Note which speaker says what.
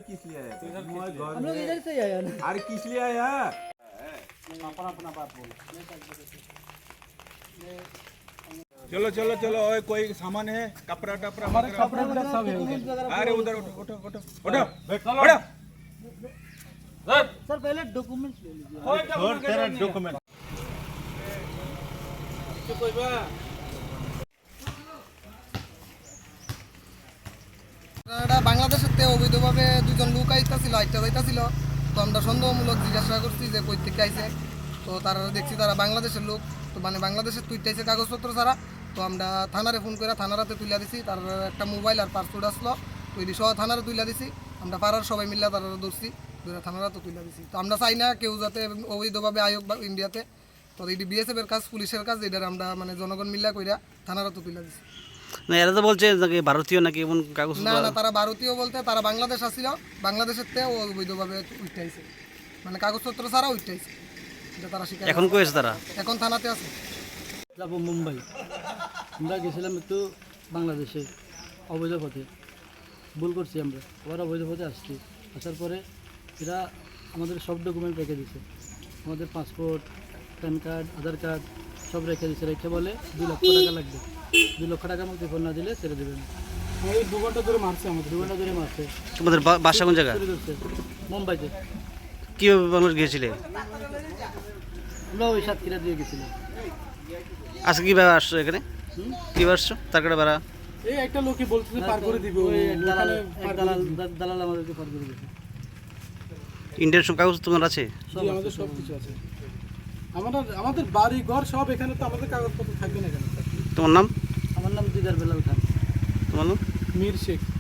Speaker 1: किस लिए आया
Speaker 2: हम लोग इधर से ही आया ना।
Speaker 1: अरे किस लिए आया
Speaker 2: अपना अपना बात बोलो।
Speaker 1: चलो चलो चलो ओए कोई सामान है कपड़ा टपड़ा
Speaker 2: हमारे
Speaker 1: वगैरह?
Speaker 2: कपड़े वगैरह सब है उधर।
Speaker 1: अरे उधर उठो उठो उठो उठो उठो
Speaker 2: सर पहले डॉक्यूमेंट्स ले लीजिए।
Speaker 1: छोड़ तेरा डॉक्यूमेंट
Speaker 3: এটা বাংলাদেশের থেকে অবৈধভাবে দুজন লোক আইতাছিল যাইতাছিল। তো আমরা সন্দেহমূলক জিজ্ঞাসা করছি যে কই থেকে আইছে। তো তারা দেখছি তারা বাংলাদেশের লোক, তো মানে বাংলাদেশের তুইটাইছে কাগজপত্র ছাড়া। তো আমরা থানারে ফোন করে থানারাতে তুলে দিছি। তার একটা মোবাইল আর পাসপোর্ট আসলো, তো এটি সহ থানারে তুলে দিছি। আমরা পাড়ার সবাই মিলে তারা ধরছি, ধরে থানারাতে তুলে দিছি। তো আমরা চাই না কেউ যাতে অবৈধভাবে আয়োগ বা ইন্ডিয়াতে। তো এটি বিএসএফ এর কাজ, পুলিশের কাজ, এটার আমরা মানে জনগণ মিল্লা কইরা থানারাতে তুলে দিছি।
Speaker 4: না এরা তো বলছে নাকি ভারতীয় নাকি এমন কাগজ
Speaker 3: না না, তারা ভারতীয় বলতে তারা বাংলাদেশ আসছিল, বাংলাদেশের থেকে অবৈধভাবে উঠাইছে, মানে কাগজপত্র ছাড়া উঠাইছে। এটা তারা স্বীকার
Speaker 4: এখন কই আছে তারা?
Speaker 3: এখন থানাতে আছে।
Speaker 2: যাবো মুম্বাই। আমরা গেছিলাম একটু বাংলাদেশে অবৈধ পথে, ভুল করছি আমরা, আবার অবৈধ পথে আসছি। আসার পরে এরা আমাদের সব ডকুমেন্ট রেখে দিছে, আমাদের passport, PAN card, Aadhaar card সব রেখে দিছে। রেখে বলে 2 লক্ষ টাকা লাগবে, 2 লক্ষ টাকা মতো ফোন না দিলে ছেড়ে দেবেন। এই 2 ঘন্টা ধরে মারছে আমাদের, 2 ঘন্টা ধরে মারছে।
Speaker 4: তোমাদের বাসা কোন জায়গা?
Speaker 2: মুম্বাইতে।
Speaker 4: কীভাবে বাংলাদেশ গিয়েছিলে?
Speaker 2: আমরা ওই সাতক্ষীরা দিয়ে গেছিলাম।
Speaker 4: আজকে কীভাবে আসছো এখানে? কীভাবে আসছো? তার কাটা ভাড়া?
Speaker 2: এই একটা লোকই বলতেছে পার করে দিবে, ওই দালাল আমাদেরকে পার করে দিবে।
Speaker 4: ইন্ডিয়ান সব কাগজ তোমার আছে?
Speaker 2: আমাদের সব কিছু আছে, আমাদের বাড়ি ঘর সব এখানে। তো আমাদের কাগজপত্র থাকবে না কেন?
Speaker 4: তোমার নাম?
Speaker 2: আমার নাম দিদার বেলাল খান।
Speaker 4: তোমার নাম?
Speaker 2: মীর শেখ।